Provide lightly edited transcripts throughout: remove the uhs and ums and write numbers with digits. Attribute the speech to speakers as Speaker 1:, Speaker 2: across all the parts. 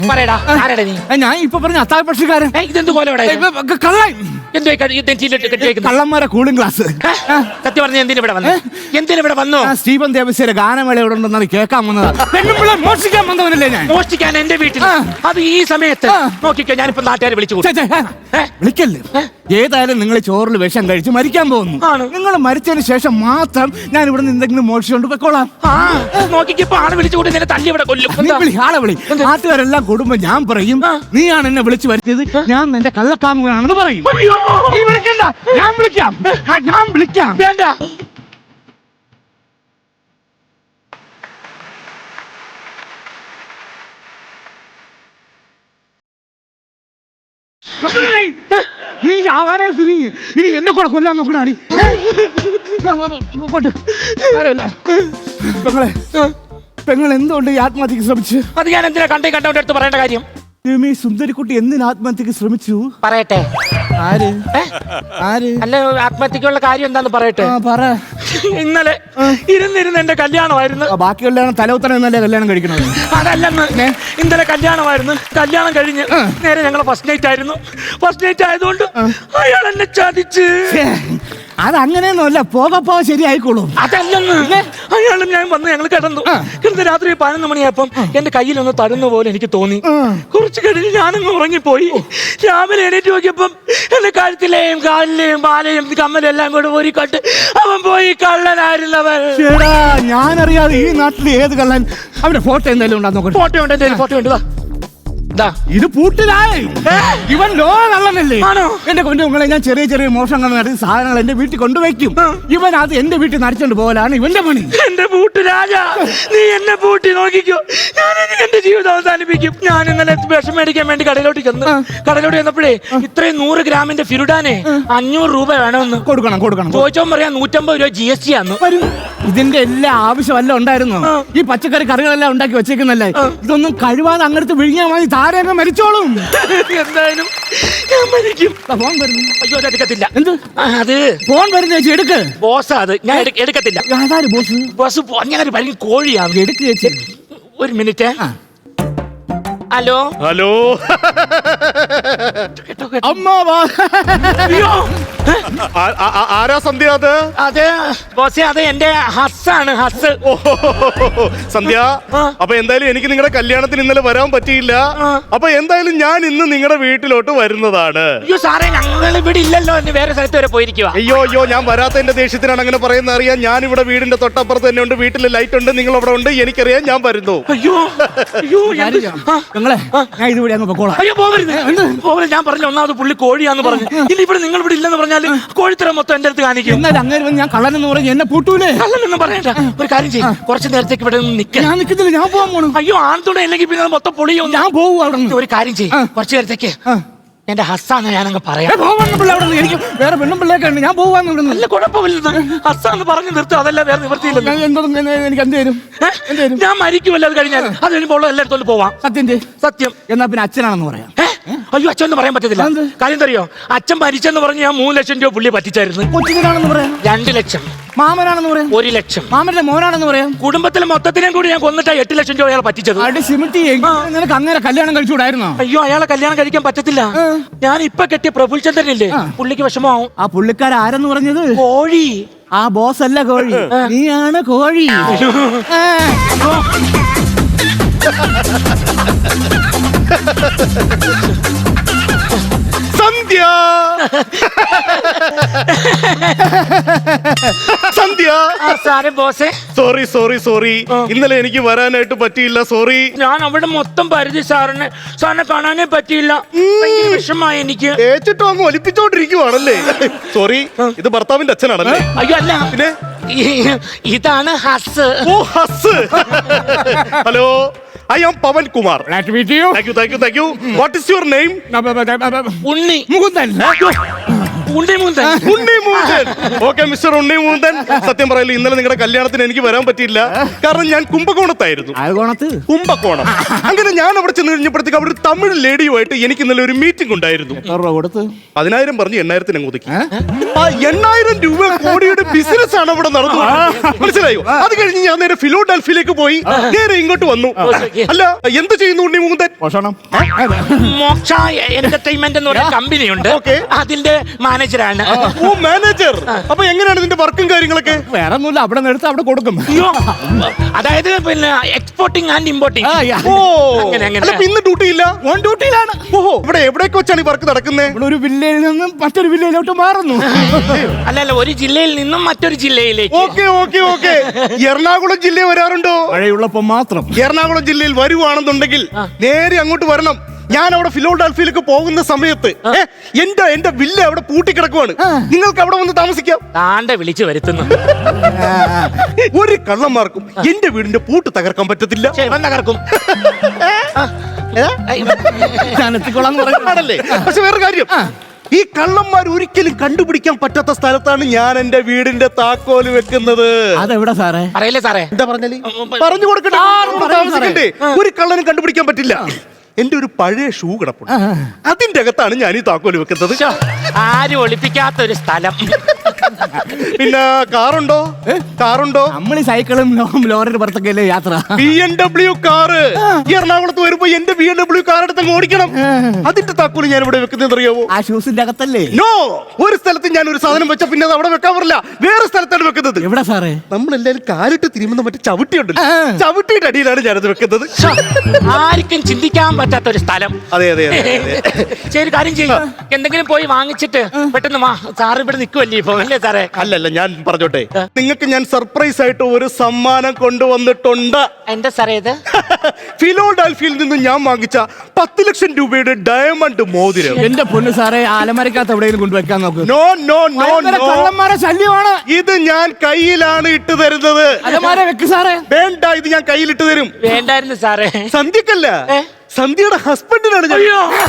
Speaker 1: പറയടാ, ആരെടാ നീ?
Speaker 2: ഞാൻ ഇപ്പൊ പറഞ്ഞ അത്താഴ പക്ഷിക്കാരൻ.
Speaker 1: ഇതെന്ത് പോലെ
Speaker 2: കള്ളൻ. കള്ളന്മാരെ കൂളിംഗ് ക്ലാസ്.
Speaker 1: സത്യം പറഞ്ഞ എന്തിനിവിടെ വന്നു? എന്തിനിവിടെ വന്നു?
Speaker 2: സ്റ്റീഫൻ ദേവസ്യയുടെ ഗാനമേള ഇവിടെ ഉണ്ടെന്നാണ് കേൾക്കാൻ വന്നത്. പെണ്ണുമ്പിള്ള മോഷ്ടിക്കാൻ വന്നവനല്ലേ ഞാൻ?
Speaker 1: മോഷ്ടിക്കാൻ എന്റെ വീട്ടിൽ? അത് ഈ സമയത്ത് നോക്കിക്കോ, ഞാനിപ്പോ നാട്ടുകാരെ വിളിച്ചു
Speaker 2: വിളിക്കല്ലേ. ഏതായാലും നിങ്ങൾ ചോറിൽ വിഷം കഴിച്ച് മരിക്കാൻ പോകുന്നു. നിങ്ങൾ മരിച്ചതിന് ശേഷം മാത്രം ഞാൻ ഇവിടെ നിന്ന് എന്തെങ്കിലും മോഷിച്ചുകൊണ്ട് പൊയ്ക്കോളാം.
Speaker 1: നോക്കിക്കോ, ആളെ വിളിച്ചുകൊണ്ട് നിന്നെ തല്ലി ഇവിടെ കൊല്ലും.
Speaker 2: ആളെ വിളി. നാട്ടുകാരെല്ലാം കൂടുമ്പോ ഞാൻ പറയും നീയാണ് എന്നെ വിളിച്ചു വരുത്തിയത്, ഞാൻ എന്റെ കള്ളക്കാമുകനാണെന്ന് പറയും. നീ വിളിക്കണ്ട, ഞാൻ വിളിക്കാം. ഞാൻ വിളിക്കാം.
Speaker 1: വേണ്ട.
Speaker 2: നീ ആവാനേ സ്ഥിതി ഇനി എന്നെ കൂടെ കൊല്ലാൻ നോക്കണി. പെങ്ങൾ എന്തുകൊണ്ട് ഈ ആത്മഹത്യക്ക് ശ്രമിച്ചു?
Speaker 1: അത് ഞാൻ എന്തിനാ കണ്ടോണ്ട് എടുത്ത് പറയേണ്ട കാര്യം?
Speaker 2: സുന്ദരിക്കുട്ടി എന്തിന് ആത്മഹത്യക്ക് ശ്രമിച്ചു?
Speaker 1: പറയട്ടെ.
Speaker 2: ആര്
Speaker 1: അല്ല, ആത്മഹത്യക്കുള്ള കാര്യം എന്താന്ന് പറയട്ടെ.
Speaker 2: പറ.
Speaker 1: ഇന്നലെ ഇരുന്നിരുന്ന് എന്റെ കല്യാണമായിരുന്നു.
Speaker 2: ബാക്കി കല്യാണം തലവുത്തന എന്നല്ലേ കല്യാണം കഴിക്കണത്?
Speaker 1: അതല്ലെന്ന്, ഇന്നലെ കല്യാണമായിരുന്നു. കല്യാണം കഴിഞ്ഞ് നേരെ ഞങ്ങളെ ഫസ്റ്റ് നൈറ്റ് ആയിരുന്നു. ഫസ്റ്റ് നൈറ്റ് ആയതുകൊണ്ട് അയാൾ എന്നെ ചതിച്ച്.
Speaker 2: അതങ്ങനെയൊന്നുമല്ല, പോകപ്പോ ശരിയായിക്കോളും.
Speaker 1: അതല്ലെന്ന്, അയാളും ഞാൻ വന്ന് ഞങ്ങൾ കിടന്നു. കിടന്ന് രാത്രി 11 മണിയായപ്പം എന്റെ കയ്യിലൊന്ന് തരുന്ന പോലെ എനിക്ക് തോന്നി. കുറച്ച് കഴിഞ്ഞ് ഞാനങ്ങ് ഉറങ്ങിപ്പോയി. രാവിലെ എണീറ്റ് നോക്കിയപ്പം എന്റെ കഴുത്തിലെയും കാലിലെയും മാലയും കമ്മലും എല്ലാം കൂടെ ഒരു കട്ട് അവൻ പോയി. കള്ളനായിരുന്നവൻ.
Speaker 2: ഞാനറിയാതെ ഈ നാട്ടിൽ ഏത് കള്ളൻ? അവന്റെ ഫോട്ടോ എന്തായാലും ഉണ്ടാ നോക്കട്ടെ.
Speaker 1: ഫോട്ടോ ഉണ്ട്, എന്തായാലും ഫോട്ടോ ഉണ്ട്.
Speaker 2: ഇത് പൂട്ടിലായി. ഇവൻ കള്ളനല്ലേ? എന്റെ കൊണ്ടുങ്ങളെ ഞാൻ ചെറിയ ചെറിയ മോഷണങ്ങൾ നടത്തി സാധനങ്ങൾ എന്റെ വീട്ടിൽ കൊണ്ടുവയ്ക്കും. ഇവൻ അത് എന്റെ വീട്ടിൽ നടിച്ചോണ്ട് പോകലാണ് ഇവന്റെ പണി.
Speaker 1: എന്റെ പൂട്ട് രാജാ, നീ എന്നെ പൂട്ടി നോക്കിക്കോ. ഞാൻ എന്റെ ജീവിതം അവസാനിപ്പിക്കും. ഞാൻ ഇന്നലെ വിഷം മേടിക്കാൻ വേണ്ടി കടയിലോട്ട് ചെന്നപ്പോഴേ ഇത്രയും 100 ഗ്രാമിന്റെ ഫിരുഡാനെ 500 രൂപ വേണമെന്ന്
Speaker 2: കൊടുക്കണം.
Speaker 1: ചോദിച്ചോ പറയാം 150 രൂപ GST ആന്ന്.
Speaker 2: ഇതിന്റെ എല്ലാ ആവശ്യമല്ല ഉണ്ടായിരുന്നു. ഈ പച്ചക്കറി കറികളെല്ലാം ഉണ്ടാക്കി വെച്ചേക്കുന്നല്ലേ, ഇതൊന്നും കഴിവാതെ അങ്ങടുത്ത് വിഴിഞ്ഞാൽ മതി. താരങ്ങ് മരിച്ചോളും.
Speaker 1: എന്തായാലും ഞാൻ മരിക്കും.
Speaker 2: ഫോൺ വരുന്നു.
Speaker 1: അയ്യോ, അത് എടുക്കത്തില്ല.
Speaker 2: എന്ത്?
Speaker 1: അത്
Speaker 2: ഫോൺ വരുന്ന ചേച്ചി എടുക്ക്.
Speaker 1: ബോസാ അത്, ഞാൻ എടുക്കത്തില്ല. ബോസ് ഞാൻ ഭയങ്കര കോഴിയാണ്.
Speaker 2: എടുക്ക് ചേച്ചി.
Speaker 1: ഒരു മിനിറ്റ്. Hello
Speaker 3: hello. ആരാ സന്ധ്യ?
Speaker 1: അത് ബോസേ, അത് എന്റെ ഹസ്സാണ്. ഹസ്.
Speaker 3: സന്ധ്യ, അപ്പൊ എന്തായാലും എനിക്ക് നിങ്ങളുടെ കല്യാണത്തിന് ഇന്നലെ വരാൻ പറ്റിയില്ല. അപ്പൊ എന്തായാലും ഞാൻ ഇന്ന് നിങ്ങളുടെ വീട്ടിലോട്ട് വരുന്നതാണ്.
Speaker 1: അയ്യോ സാറേ, ഞങ്ങൾ ഇവിടെ ഇല്ലല്ലോ, വേറെ സ്ഥലത്ത് വരെ പോയിരിക്കുക.
Speaker 3: അയ്യോ, ഞാൻ വരാത്തതിന്റെ ദേഷ്യത്തിനാണ് അങ്ങനെ പറയുന്നത്. അറിയാം, ഞാൻ ഇവിടെ വീടിന്റെ തൊട്ടപ്പുറത്ത് തന്നെ ഉണ്ട്. വീട്ടിൽ ലൈറ്റ് ഉണ്ട്, നിങ്ങൾ അവിടെ ഉണ്ട്, എനിക്കറിയാം. ഞാൻ വരുന്നു.
Speaker 1: അയ്യോ അയ്യോ, പോകരുത്. ഞാൻ പറഞ്ഞു, ഒന്നാമത് പുള്ളി കോഴിയാന്ന് പറഞ്ഞു. ഇനി ഇവിടെ നിങ്ങൾ ഇവിടെ ഇല്ലെന്ന് പറഞ്ഞാൽ കോഴിത്തരം മൊത്തം എന്റെ അടുത്ത് കാണിക്കും.
Speaker 2: ഞാൻ കള്ളനെന്ന് പറഞ്ഞു എന്നെ പൂട്ടൂലേ?
Speaker 1: കള്ളനെന്ന് പറയണ്ട. ഒരു കാര്യം ചെയ്യും, കുറച്ച് നേരത്തേക്ക് ഇവിടെ
Speaker 2: ഞാൻ നിൽക്കുന്നില്ല, ഞാൻ പോകാൻ പോണു.
Speaker 1: അയ്യോ, ആൺതുണ അല്ലെങ്കിൽ പിന്നെ മൊത്തം പൊളിയോ.
Speaker 2: ഞാൻ പോകും അവിടെ.
Speaker 1: ഒരു കാര്യം ചെയ്യും, കുറച്ച് നേരത്തേക്ക് എന്റെ ഹസ്സാന്ന് ഞാനങ്ങ് പറയാം.
Speaker 2: എനിക്ക് വേറെ പെണ്ണും പിള്ളേക്കെ ഉണ്ട്, ഞാൻ പോവാന്ന്.
Speaker 1: നല്ല കുഴപ്പമില്ല, ഹസ്സാന്ന് പറഞ്ഞു നിർത്തും. അതല്ല വേറെ നിവൃത്തിയില്ല.
Speaker 2: എനിക്ക് എന്ത് തരും?
Speaker 1: ഞാൻ മരിക്കുമല്ലോ അത് കഴിഞ്ഞാൽ. അത് കഴിയുമ്പോൾ എല്ലായിടത്തോട്ട് പോവാം. സത്യം.
Speaker 2: എന്നാ പിന്നെ അച്ഛനാണെന്ന് പറയാം.
Speaker 1: അയ്യോ, അച്ഛൻ പറയാൻ പറ്റത്തില്ല. കാര്യം തറിയോ, അച്ഛൻ മരിച്ചെന്ന് പറഞ്ഞ് ഞാൻ 3 ലക്ഷം രൂപ പുള്ളി പറ്റിച്ചായിരുന്നു.
Speaker 2: കൊച്ചിനാണെന്ന് പറയാം.
Speaker 1: 2 ലക്ഷം.
Speaker 2: മാമനാണെന്ന് പറയാം.
Speaker 1: 1 ലക്ഷം.
Speaker 2: മാമന്റെ മോനാണെന്ന് പറയാം.
Speaker 1: കുടുംബത്തിലെ മൊത്തത്തിനെയും കൂടി ഞാൻ കൊന്നിട്ടാ 8 ലക്ഷം രൂപ അയാൾ പറ്റിച്ചത്.
Speaker 2: നിനക്ക് അങ്ങനെ കല്യാണം കഴിച്ചുകൂടായിരുന്നോ?
Speaker 1: അയ്യോ, അയാളെ കല്യാണം കഴിക്കാൻ പറ്റത്തില്ല. ഞാൻ ഇപ്പൊ കെട്ടിയ പ്രഫുൽചന്ദ്രനില്ലേ, പുള്ളിക്ക് വിഷമാവും.
Speaker 2: ആ പുള്ളിക്കാർ ആരെന്ന് പറഞ്ഞത്?
Speaker 1: കോഴി.
Speaker 2: ആ ബോസ് അല്ല കോഴി, നീയാണ് കോഴി.
Speaker 3: സന്ധ്യ, സന്ധ്യ.
Speaker 1: സാറേ ബോസേ,
Speaker 3: സോറി. ഇന്നലെ എനിക്ക് വരാനായിട്ട് പറ്റിയില്ല. സോറി.
Speaker 1: ഞാൻ അവിടെ മൊത്തം പരിധി സാറിനെ കാണാനേ പറ്റിയില്ല. വിഷമായി എനിക്ക്.
Speaker 3: ഏച്ചിട്ടും അങ്ങ് ഒലിപ്പിച്ചോണ്ടിരിക്കുവാണല്ലേ? സോറി. ഇത് ഭർത്താവിന്റെ അച്ഛനാണല്ലേ?
Speaker 1: അയ്യോ അല്ല,
Speaker 3: പിന്നെ
Speaker 1: ഇതാണ് ഹസ്.
Speaker 3: ഓ, hus. Hello, I am Pavan Kumar.
Speaker 2: Glad to meet you.
Speaker 3: Thank you. What is your name?
Speaker 1: Unni.
Speaker 2: Mukundan.
Speaker 1: Unnimoonthan.
Speaker 3: Okay mister Unnimoonthan, സത്യം പറയല്ലോ ഇന്നലെ നിങ്ങളുടെ കല്യാണത്തിന് എനിക്ക് വരാൻ പറ്റിയില്ല. കാരണം ഞാൻ കുംഭകോണത്തായിരുന്നു. കുംഭകോണം. അങ്ങനെ ഞാൻ അവിടെ ചെന്ന് കഴിഞ്ഞപ്പോഴത്തേക്ക് അവിടെ ഒരു തമിഴ് ലേഡിയുമായിട്ട് എനിക്ക് ഇന്നലെ ഒരു മീറ്റിംഗ് ഉണ്ടായിരുന്നു. 10,000 പറഞ്ഞ് 8,000 അങ്ങ് ഒതുക്കി. ആ 8,000 രൂപ കോടിയുടെ ബിസിനസ് ആണ് അവിടെ നടന്നു. മനസ്സിലായോ? അത് കഴിഞ്ഞ് ഞാൻ നേരെ ഫിലോഡൽഫിയിലേക്ക് പോയി നേരെ ഇങ്ങോട്ട് വന്നു. അല്ല എന്ത് ചെയ്യുന്നു ഉണ്ണിമൂന്തൻ?
Speaker 1: മോക്ഷ എന്റർടൈൻമെന്റ് എന്ന് പറയുന്ന കമ്പനി ഉണ്ട്. അതിന്റെ മാനേജറാണ്.
Speaker 3: ഓ മാനേജർ. അപ്പൊ എങ്ങനെയാണ് ഇതിന്റെ വർക്കും കാര്യങ്ങളൊക്കെ?
Speaker 2: വേറെ ഒന്നുമില്ല, അവിടെ നിന്ന് അവിടെ കൊടുക്കും.
Speaker 1: അതായത് പിന്നെ എക്സ്പോർട്ടിംഗ് ആൻഡ് ഇമ്പോർട്ടിംഗ്.
Speaker 3: ഓ ഇന്ന് ഡ്യൂട്ടിയില്ല?
Speaker 2: ഓൺ ഡ്യൂട്ടിയിലാണ്.
Speaker 3: ഓഹോ, ഇവിടെ എവിടേക്ക് വെച്ചാണ് ഈ വർക്ക് നടക്കുന്നത്?
Speaker 2: ഇവിടെ ഒരു വില്ലയിൽ നിന്നും മറ്റൊരു വില്ലയിലോട്ട് മാറുന്നു.
Speaker 1: അല്ലല്ല, ഒരു ജില്ലയിൽ നിന്നും മറ്റൊരു ജില്ലയിലേക്ക്.
Speaker 3: Okay okay okay. എറണാകുളം ജില്ലയിൽ വരാറുണ്ടോ?
Speaker 2: മഴയുള്ളപ്പോ മാത്രം.
Speaker 3: എറണാകുളം ജില്ലയിൽ വരുവാണെന്നുണ്ടെങ്കിൽ നേരെ അങ്ങോട്ട് വരണം. ഞാൻ അവിടെ ഫിലോഡൽഫിയിലേക്ക് പോകുന്ന സമയത്ത് എന്റെ വില്ല അവിടെ പൂട്ടിക്കിടക്കുവാണ്. നിങ്ങൾക്ക് അവിടെ വന്ന് താമസിക്കാം.
Speaker 1: താണ്ടെ വിളിച്ചു വരുത്തുന്നു.
Speaker 3: ഒരു കള്ളന്മാർക്കും എന്റെ വീടിന്റെ പൂട്ട് തകർക്കാൻ പറ്റത്തില്ല.
Speaker 1: തകർക്കും.
Speaker 3: ആണല്ലേ? പക്ഷെ വേറെ കാര്യം, ഈ കള്ളന്മാർ ഒരിക്കലും കണ്ടുപിടിക്കാൻ പറ്റാത്ത സ്ഥലത്താണ് ഞാൻ എന്റെ വീടിന്റെ താക്കോല് വെക്കുന്നത്.
Speaker 2: അതെവിടെ സാറേ?
Speaker 1: അറിയില്ലേ സാറേ?
Speaker 3: എന്താ പറഞ്ഞാല് പറഞ്ഞു കൊടുക്കണ്ടേ? ഒരു കള്ളനും കണ്ടുപിടിക്കാൻ പറ്റില്ല. എന്റെ ഒരു പഴയ ഷൂ കിടപ്പുണ്ട്, അതിന്റെ അകത്താണ് ഞാൻ ഈ താക്കോല് വെക്കുന്നത്.
Speaker 1: ആരും ഒളിപ്പിക്കാത്ത ഒരു സ്ഥലം.
Speaker 3: പിന്നെ കാറുണ്ടോ? കാറുണ്ടോ?
Speaker 2: നമ്മൾ ഈ സൈക്കിളും ലോറിയുടെ പുറത്തൊക്കെ യാത്ര.
Speaker 3: BMW car. എറണാകുളത്ത് വരുമ്പോ എന്റെ BMW കാർ എടുത്ത് ഓടിക്കണം. അതിന്റെ താക്കോല് ഞാൻ ഇവിടെ വെക്കുന്നത് അറിയാവോ?
Speaker 2: ആ ഷൂസിന്റെ അകത്തല്ലേ?
Speaker 3: നോ, ഒരു സ്ഥലത്ത് ഞാൻ ഒരു സാധനം വെച്ച പിന്നെ അത് അവിടെ വെക്കാൻ പറ്റില്ല. വേറെ സ്ഥലത്താണ് വെക്കുന്നത്.
Speaker 2: എവിടെ സാറേ?
Speaker 3: നമ്മളെല്ലാരും കാലിട്ട് തിരുമുന്ന മറ്റേ ചവിട്ടിയുണ്ടല്ലോ, ചവിട്ടിയുടെ അടിയിലാണ് ഞാനത് വെക്കുന്നത്.
Speaker 1: ആർക്കും ചിന്തിക്കാൻ പറ്റാത്ത ഒരു സ്ഥലം.
Speaker 3: അതെ അതെ
Speaker 1: ശരി, കാര്യം ചെയ്യും. എന്തെങ്കിലും പോയി വാങ്ങിച്ചിട്ട് പെട്ടെന്ന് സാറ് ഇവിടെ നിൽക്കുമല്ലേ ഇപ്പൊ? അല്ലേ സാറേ?
Speaker 3: അല്ലല്ല, ഞാൻ പറഞ്ഞോട്ടെ, നിങ്ങൾക്ക് ഞാൻ സർപ്രൈസ് ആയിട്ട് ഒരു സമ്മാനം കൊണ്ടുവന്നിട്ടുണ്ട്.
Speaker 1: എന്റെ സാറേ ഇത്
Speaker 3: ഫിലോഡൽഫിയയിൽ നിന്ന് ഞാൻ വാങ്ങിച്ച 10 ലക്ഷം രൂപയുടെ ഡയമണ്ട് മോതിരം.
Speaker 2: എന്റെ പൊന്ന് സാറേ, ആലമരക്കകത്ത് എവിടെയെങ്കിലും കൊണ്ടുവെക്കാൻ നോക്ക്.
Speaker 3: നോ നോ നോ നോ,
Speaker 2: കള്ളന്മാരെ ശല്യമാണ്.
Speaker 3: ഇത് ഞാൻ കയ്യിലാണ് ഇട്ട് തരുന്നത്.
Speaker 2: അലമാര വെക്ക് സാറേ.
Speaker 3: വേണ്ട, ഇത് ഞാൻ കയ്യിലിട്ട് തരും.
Speaker 1: വേണ്ടായിരുന്നു സാറേ.
Speaker 3: സന്ധ്യക്കല്ല, സന്ധ്യയുടെ ഹസ്ബൻഡിനാണ് ഞാൻ.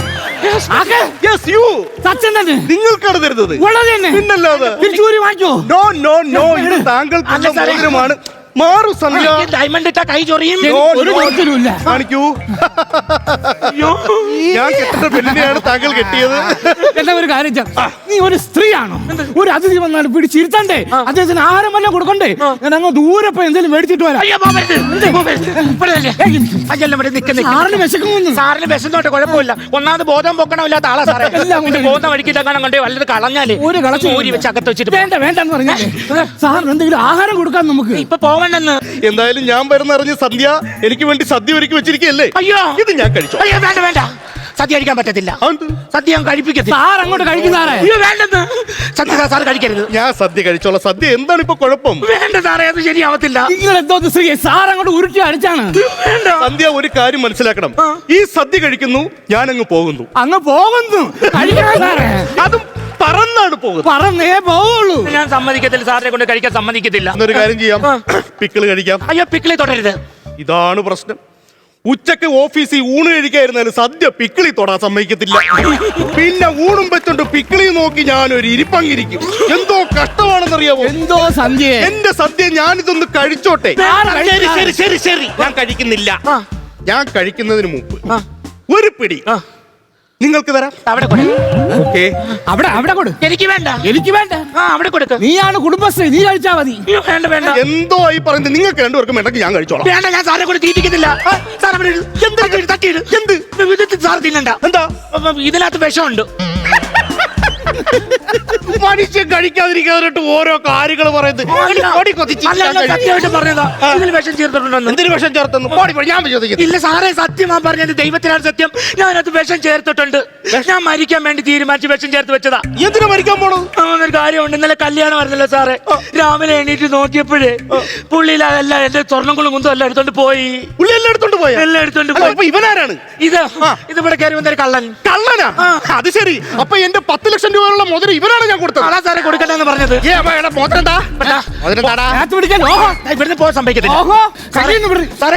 Speaker 3: നിങ്ങൾക്കാണ് തരുന്നത്. പിന്നല്ലാതെ നോ നോ നോ, ഇത് താങ്കൾക്കുള്ള മോതിരമാണ്. മാറു സന്ധ്യ.
Speaker 1: ഡയമണ്ട് ഇട്ട കൈ ചൊറിയും.
Speaker 3: കാണിക്കൂ. ഞാൻ കെട്ടിട്ട പെണ്ണിനെയാണ് താങ്കൾ കെട്ടിയത്.
Speaker 2: എന്നാ ഒരു കാര്യം, നീ ഒരു സ്ത്രീയാണോ? ഒരു അതിഥി വന്നാൽ പിടിച്ചിരുത്തണ്ടേ? അദ്ദേഹത്തിന് ആഹാരം വല്ലതും കൊടുക്കണ്ടേ? ഞാൻ അങ്ങ് ദൂരെ പോയി എന്തെങ്കിലും മേടിച്ചിട്ട് വരാം.
Speaker 1: സാറിന് വിശക്കുന്നു. സാറിന് വിശന്നോട്ടെ, കുഴപ്പമില്ല. ഒന്നാമത് ബോധം പൊക്കണമില്ലാത്ത ആളാ സാറേ. ബോധം വഴിക്കിട്ടങ്ങനെ കൊണ്ട് വല്ലത് കളഞ്ഞാല്
Speaker 2: ഒരു കളൂരി
Speaker 1: വെച്ച് അകത്ത് വെച്ചിട്ട്
Speaker 2: വേണ്ട വേണ്ടെന്ന് പറഞ്ഞാൽ സാറിന് എന്തെങ്കിലും ആഹാരം കൊടുക്കാൻ നമുക്ക്
Speaker 1: ഇപ്പൊ പോവണ്ടെന്ന്.
Speaker 3: എന്തായാലും ഞാൻ വരുന്നറിഞ്ഞ് സന്ധ്യ എനിക്ക് വേണ്ടി സദ്യ ഒരുക്കി വെച്ചിരിക്കല്ലേ?
Speaker 1: അയ്യോ,
Speaker 3: ഇത് ഞാൻ കഴിച്ചു.
Speaker 1: അയ്യോ വേണ്ട വേണ്ട, സദ്യ കഴിക്കാൻ പറ്റത്തില്ല. സദ്യ ഞാൻ കഴിപ്പിക്കത്തില്ല.
Speaker 2: സാർ അങ്ങോട്ട് കഴിക്കുന്നേ.
Speaker 1: അയ്യോ വേണ്ടെന്ന്. സദ്യ സാർ കഴിക്കരുത്.
Speaker 3: ഞാൻ സദ്യ കഴിച്ചോളാം. സദ്യ എന്താണ് ഇപ്പൊ കുഴപ്പം?
Speaker 1: വേണ്ട സാറേ, അത് ശരിയാവത്തില്ല.
Speaker 2: നിങ്ങൾ എന്തോ സാർ അങ്ങോട്ട് ഉരുട്ടി അടിച്ചാണ്.
Speaker 1: വേണ്ട
Speaker 3: സന്ധ്യ, ഒരു കാര്യം മനസ്സിലാക്കണം. ഈ സദ്യ കഴിക്കുന്നു, ഞാൻ അങ്ങ് പോകുന്നു.
Speaker 2: അങ്ങ് പോകുന്നു
Speaker 3: അതും പറന്നാണ് പോകുന്നത്.
Speaker 2: പറന്നേ പോവുള്ളൂ.
Speaker 1: ഞാൻ സമ്മതിക്കത്തില്ല, സാറിനെ കൊണ്ട് കഴിക്കാൻ സമ്മതിക്കത്തില്ല.
Speaker 3: എന്നൊരു കാര്യം ചെയ്യാം, പിക്കിള് കഴിക്കാം.
Speaker 1: അയ്യോ, പിക്കിളി തുടരുത്.
Speaker 3: ഇതാണ് പ്രശ്നം. ഉച്ചക്ക് ഓഫീസിൽ ഊണ് കഴിക്കായിരുന്നാലും സദ്യ പിക്കിളി തൊടാൻ സമ്മതിക്കത്തില്ല. പിന്നെ ഊണും വെച്ചോണ്ട് പിക്കിളി നോക്കി ഞാനൊരു ഇരിപ്പങ്ങിരിക്കും. എന്തോ കഷ്ടമാണെന്നറിയാമോ?
Speaker 2: എന്തോ സദ്യ.
Speaker 3: എന്റെ സദ്യ ഞാനിതൊന്ന് കഴിച്ചോട്ടെ. ശരി ശരി ശരി ശരി, ഞാൻ കഴിക്കുന്നില്ല. ഞാൻ കഴിക്കുന്നതിന് മുമ്പ് ഒരു പിടി നിങ്ങൾക്ക് തരാം.
Speaker 1: അവിടെ കൊടു.
Speaker 3: ഓക്കേ,
Speaker 2: അവിടെ കൊടു.
Speaker 1: എനിക്ക് വേണ്ട.
Speaker 2: എനിക്ക് വേണ്ട.
Speaker 1: അവിടെ കൊടുക്ക്.
Speaker 2: നീയാണ് കുടുംബശ്രീ, നീ കഴിച്ചാ മതി.
Speaker 1: വേണ്ട വേണ്ട.
Speaker 3: എന്തോ ഈ പറയുന്നത്. നിങ്ങൾക്ക് രണ്ടുപേർക്കും വേണ്ടെങ്കിൽ ഞാൻ കഴിച്ചോളാം.
Speaker 1: വേണ്ട, ഞാൻ സാറിനെ കൊണ്ട് തീറ്റിക്കുന്നില്ല. എന്ത് സാർ തിന്നണ്ട.
Speaker 3: എന്താ
Speaker 1: ഇതിനകത്ത് വിഷമുണ്ട്.
Speaker 3: മനുഷ്യൻ കഴിക്കാതിരിക്കാതിട്ട് ഓരോ കാര്യങ്ങൾ പറയുന്നത്.
Speaker 1: സത്യമായിട്ട് പറഞ്ഞതാ, ഇതിൽ വിഷം ചേർത്തിട്ടുണ്ടെന്ന്.
Speaker 3: എന്തിനു വിഷം ചേർത്തെന്ന് ഞാൻ വിശ്വസിക്കുന്നു.
Speaker 1: ഇല്ല സാറേ, സത്യമാ പറഞ്ഞത്. ദൈവത്തിനാണ് സത്യം. ഞാനത് വിഷം ചേർത്തിട്ടുണ്ട്. ഞാൻ മരിക്കാൻ വേണ്ടി തീരുമാനിച്ച് വിഷം ചേർത്ത് വെച്ചതാ.
Speaker 3: എന്തിനു മരിക്കാൻ പോണു?
Speaker 1: ഒരു കാര്യമുണ്ട്. ഇന്നലെ കല്യാണം ആയിരുന്നല്ലോ സാറേ. രാവിലെ എണീറ്റ് നോക്കിയപ്പോഴേ പുള്ളിയിൽ അതെല്ലാം എന്റെ സ്വർണ്ണങ്ങളും കുന്തും എല്ലാം എടുത്തോണ്ട് പോയി.
Speaker 3: പുള്ളി എല്ലാം എടുത്തോണ്ട് പോയി.
Speaker 1: എല്ലാം എടുത്തോണ്ട് പോയി.
Speaker 3: ഇവനാരാണ്
Speaker 1: ഇത് ഇവിടെ കയറി വന്നൊരു കള്ളൻ.
Speaker 3: കള്ളനാ? അത് ശരി. അപ്പൊ എന്റെ 10 ലക്ഷം രൂപയുള്ള മുതൽ ഇവനാണ് ഞാൻ കൊടുത്തത്. കൊടുത്തത്.
Speaker 1: അതാ സാറേ കൊടുക്കണ്ടെന്ന് പറഞ്ഞത്.
Speaker 3: മോതിരം താ. മോതിരം താടാ.
Speaker 2: അകത്ത് പിടിക്കാൻ ഓഹോ
Speaker 1: ഇവിടുന്ന് പോകാൻ സമ്മതിക്കത്തില്ല.
Speaker 2: ഓഹോ കയ്യിൽ നിന്ന്
Speaker 1: സാറേ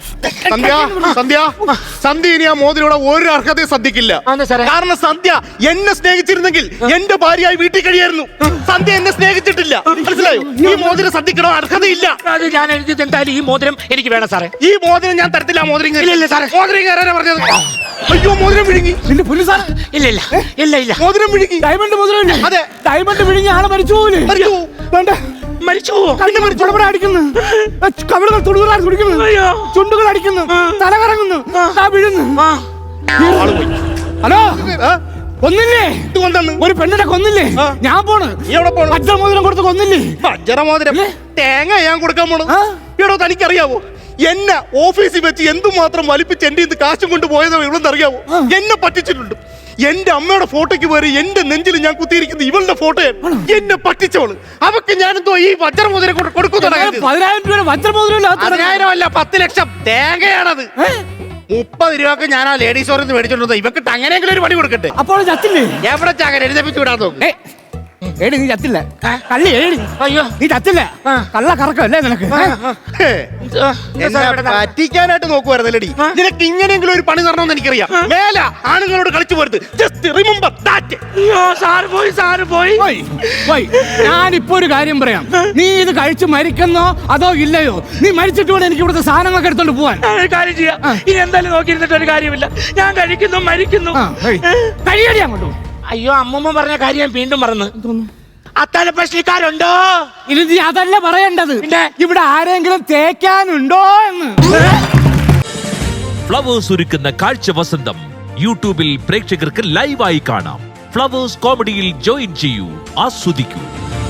Speaker 3: സന്ധ്യ ഇനി ആ മോതിരോടെ ഒരു അർഹതയും സന്ധ്യക്കില്ല.
Speaker 1: അതെന്താ സാറേ?
Speaker 3: കാരണം സന്ധ്യ എന്നെ സ്നേഹിച്ചിരുന്നെങ്കിൽ എന്റെ ഭാര്യയായി വീട്ടിൽ കഴിയായിരുന്നു. സന്ധ്യ എന്നെ സ്നേഹിച്ചിട്ടില്ല, മനസ്സിലായോ? ഈ മോതിരം സന്ധ്യക്കണോ അർഹതയില്ല.
Speaker 1: അത് ഞാൻ എഴുതി എന്തായാലും ഈ മോതിരം എനിക്ക് വേണം സാറേ.
Speaker 3: ഈ മോതിരം ഞാൻ തരത്തില്ല. മോതിരം
Speaker 1: ഇല്ല സാറേ.
Speaker 3: മോതിരം കയറാനാ പറഞ്ഞത്. അയ്യോ മോതിരം വിഴുങ്ങി.
Speaker 2: നിന്റെ പുല്ല് സാർ
Speaker 1: ഇല്ല
Speaker 3: മോതിരം വിഴുങ്ങി.
Speaker 2: ഡയമണ്ട് മുതലല്ലേ?
Speaker 3: അതെ.
Speaker 2: ഡയമണ്ട് വിഴുങ്ങി ആളെ മരിച്ചു പോലെ.
Speaker 3: മരിച്ചു.
Speaker 2: വേണ്ട
Speaker 1: മരിച്ചു.
Speaker 2: കണ്ണുകൾ അടിക്കുന്നു, കവിളുകൾ തുടുകളാണ് തുടിക്കുന്നു,
Speaker 1: അയ്യോ.
Speaker 2: ചുണ്ടുകൾ അടിക്കുന്നു, തല കറങ്ങുന്നു, വീഴുന്നു.
Speaker 3: ആള് പോയി.
Speaker 2: ഹലോ
Speaker 3: ആ?
Speaker 2: കൊന്നില്ലേ?
Speaker 3: ഇതുകൊണ്ടാണ്
Speaker 2: ഒരു പെണ്ണിനെ കൊന്നില്ലേ?
Speaker 3: ആ.
Speaker 2: ഞാൻ പോണ്.
Speaker 3: നീ എവിടെ പോണു?
Speaker 2: വജ്രമോതിരം കൊടുത്ത് കൊന്നില്ലേ?
Speaker 3: വജ്രമോതിരം തേങ്ങ ഞാൻ കൊടുക്കാൻ പോണു.
Speaker 2: ആ.
Speaker 3: എടോ തനിക്കറിയാവോ എന്നെ ഓഫീസിൽ വെച്ച് എന്തുമാത്രം വലിപ്പിച്ച് എന്റെ ഇത് കാശും കൊണ്ട് പോയതോ ഇവളെന്ന് അറിയാവോ? എന്നെ പറ്റിച്ചിട്ടുണ്ട്. എന്റെ അമ്മയുടെ ഫോട്ടോയ്ക്ക് പോയി എന്റെ നെഞ്ചിൽ ഞാൻ കുത്തിയിരിക്കുന്നത് ഇവളുടെ ഫോട്ടോയാണ്. എന്നെ പറ്റിച്ചോള്. അവക്ക് ഞാനെന്തോ ഈ വജ്രമോതിരം കൊടുക്കുന്നു.
Speaker 2: 10,000 രൂപ വജ്രമോതിരം
Speaker 3: 10,000 അല്ല 10 ലക്ഷം തേങ്ങയാണത്. 30 രൂപക്ക് ഞാൻ ആ ലേഡീസ് സ്റ്റോറിൽ നിന്ന് മേടിച്ചോണ്ട് ഇവക്ക് അങ്ങനെയെങ്കിലും ഒരു പണി കൊടുക്കട്ടെ.
Speaker 2: അപ്പോൾ ചത്തില്ലേ?
Speaker 3: എവിടെ ചാകൻ എഴുതപ്പിച്ചു വിടാൻ നോക്കും.
Speaker 2: ഏടി നീ ചത്തില്ല. കള്ളി ഏടി.
Speaker 1: അയ്യോ
Speaker 2: നീ ചത്തില്ല. കള്ള കറക്കല്ലേ നിനക്ക്?
Speaker 3: പറ്റിക്കാനായിട്ട് നോക്കുവായിരുന്നല്ലേടി. നിനക്ക് ഇങ്ങനെയെങ്കിലും ഒരു പണി തരണമെന്ന് എനിക്കറിയാം. മേല ആണുങ്ങളോട് കളിച്ചു പോരുത്. Just remember that.
Speaker 1: അയ്യോ സാറ് പോയി.
Speaker 2: ഞാനിപ്പോ ഒരു കാര്യം പറയാം. നീ ഇത് കഴിച്ച് മരിക്കുന്നോ അതോ ഇല്ലയോ? നീ മരിച്ചിട്ട് വേണം എനിക്ക് ഇവിടുത്തെ സാധനങ്ങളൊക്കെ എടുത്തോണ്ട് പോവാൻ.
Speaker 1: ഒരു കാര്യം ചെയ്യാം. ഇനി എന്തായാലും നോക്കിയിരുന്നിട്ട് ഒരു കാര്യമില്ല. ഞാൻ കഴിക്കുന്നു മരിക്കുന്നു.
Speaker 2: കഴിയടി അങ്ങോട്ട്.
Speaker 1: അയ്യോ അമ്മൂമ്മ പറഞ്ഞ കാര്യം ഞാൻ വീണ്ടും മറന്നു. അത്താഴ പ്രശ്നക്കാരുണ്ടോ?
Speaker 2: ഇനി നീ അതല്ല പറയേണ്ടത്.
Speaker 1: പിന്നെ?
Speaker 2: ഇവിടെ ആരെങ്കിലും തേക്കാനുണ്ടോ എന്ന്.
Speaker 4: ഫ്ലവേഴ്സ് ഒരുക്കുന്ന കാഴ്ച വസന്തം യൂട്യൂബിൽ പ്രേക്ഷകർക്ക് ലൈവായി കാണാം. ഫ്ലവേഴ്സ് കോമഡിയിൽ ജോയിൻ ചെയ്യൂ, ആസ്വദിക്കൂ.